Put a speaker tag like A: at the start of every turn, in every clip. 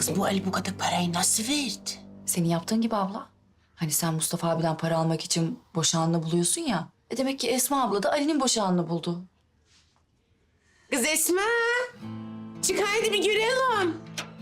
A: Kız bu Ali bu kadar parayı nasıl verdi?
B: Senin yaptığın gibi abla. Hani sen Mustafa abiden para almak için boşağını buluyorsun ya. Demek ki Esma abla da Ali'nin boşağını buldu.
A: Kız Esma. Çık haydi bir görelim.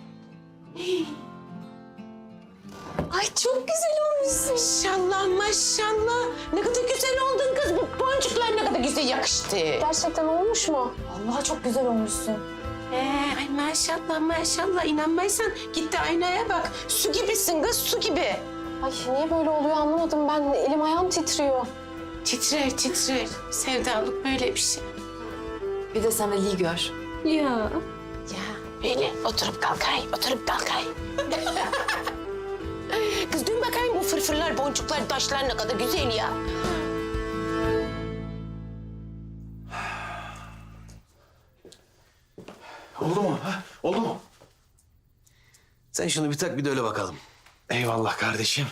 C: Ay çok güzel olmuşsun.
A: Maşallah maşallah. Ne kadar güzel oldun kız. Bu boncuklar ne kadar güzel yakıştı.
C: Gerçekten olmuş mu? Vallahi çok güzel olmuşsun.
A: Ay maşallah maşallah. İnanmaysan git de aynaya bak. Su gibisin kız su gibi.
C: Ay niye böyle oluyor anlamadım ben. Elim ayağım titriyor.
A: Titrer titrer. Sevdalık böyle bir şey.
B: Bir de sen Ali'yi gör.
C: Ya.
A: Ya böyle oturup kalkayım, oturup kalkayım. Kız dün bakayım bu fırfırlar, boncuklar, taşlar ne kadar güzel ya.
D: Oldu mu? Ha? Oldu mu?
E: Sen şunu bir tak bir de öyle bakalım.
D: Eyvallah kardeşim.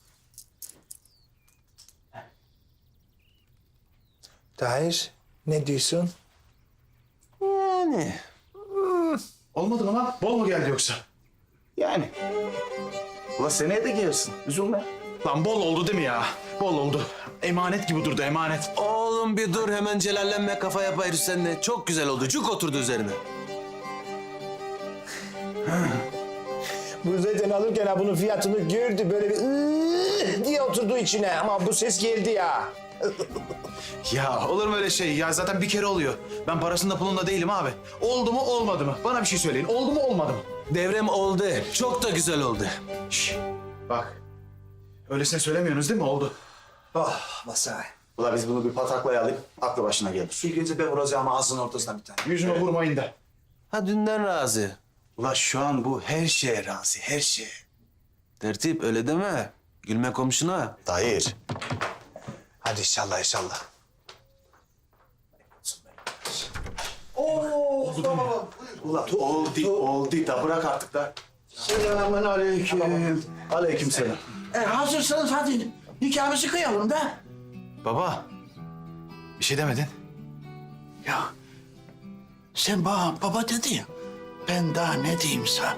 F: Tahir, ne diyorsun?
E: Yani.
D: Olmadı mı lan? Bol mu geldi yoksa?
E: Yani. Ulan seneye de gelirsin. Üzülme.
D: Lan bol oldu değil mi ya? Bol oldu. Emanet gibi durdu emanet.
E: Oğlum bir dur hemen celallenme kafa yapayız seninle. Çok güzel oldu. Cuk oturdu üzerine.
F: Bu zaten alırken ha bunun fiyatını gördü böyle bir diye oturdu içine ama bu ses geldi ya.
D: Ya olur mu öyle şey? Ya zaten bir kere oluyor. Ben parasında pulunda değilim abi. Oldu mu olmadı mı? Bana bir şey söyleyin. Oldu mu olmadı mı?
E: Devrem oldu. Çok da güzel oldu.
D: Şş, bak. Öylesine söylemiyorsunuz değil mi? Oldu.
F: Oh Masai.
G: Ula biz bunu bir pataklayalım, aklı başına gelir.
F: Bir gece ben vuracağım ağzının ortasına bir tane.
D: Yüzüme vurmayın da.
E: Ha dünden razı.
G: Ula şu an bu her şeye razı, her şeye.
E: Tertip öyle deme. Gülme komşuna.
G: Tahir.
F: Hadi inşallah inşallah.
G: Ula oldu da bırak artık da.
H: Selamun aleyküm.
G: Aleyküm selam.
H: Hazırsanız hadi nikahımızı kıyalım da.
D: Baba. Bir şey demedin.
H: Ya sen bana baba dedi ya. Ben daha ne diyeyim sana?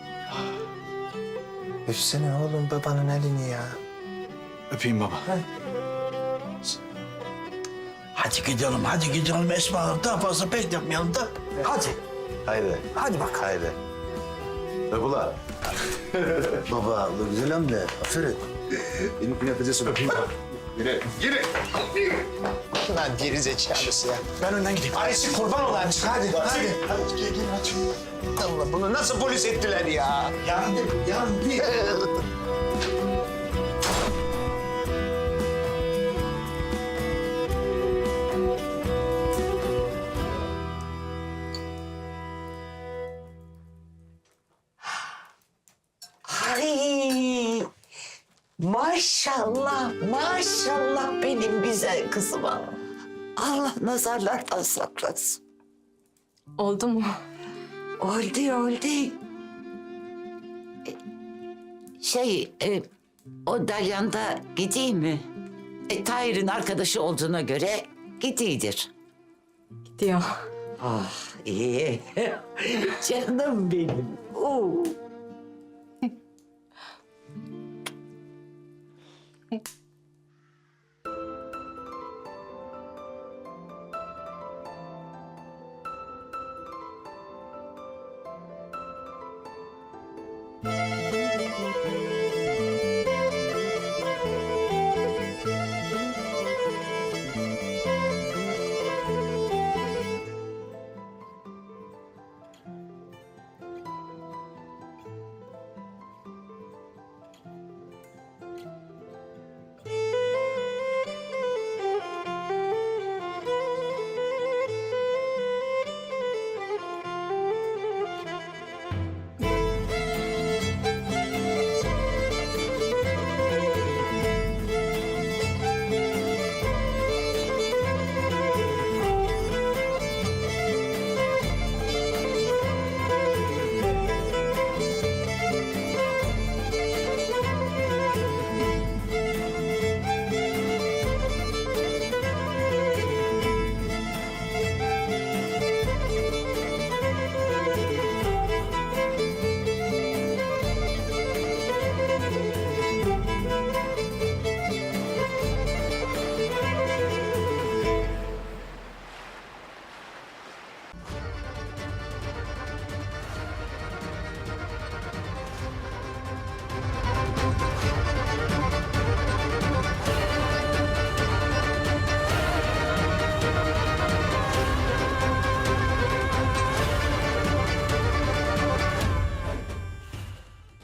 F: Öpsene oğlum babanın elini ya.
D: Öpeyim baba.
H: Hadi gidelim Esma Hanım. Daha fazla bekletmeyelim da. Hadi.
G: Haydi.
H: Hadi bak.
G: Haydi. Öp ula. Baba, ula güzel hamle. Aferin. Benim yapacağız öpeyim. Yürü.
F: Lan geri zekalısı ya.
D: Ben önden gideyim.
F: Ayşe kurban olayım hadi hadi.
G: Hadi gel aç.
F: Allah bunu nasıl polis ettiler ya?
H: Yandım.
I: Ay maşallah maşallah benim güzel kızıma. Allah nazarlardan saklasın.
C: Oldu mu?
I: Oldu. O Dalyan'da gideyim mi? Tahir'in arkadaşı olduğuna göre gidiyordur.
C: Gidiyor.
I: Ah iyi. Canım benim. Oo.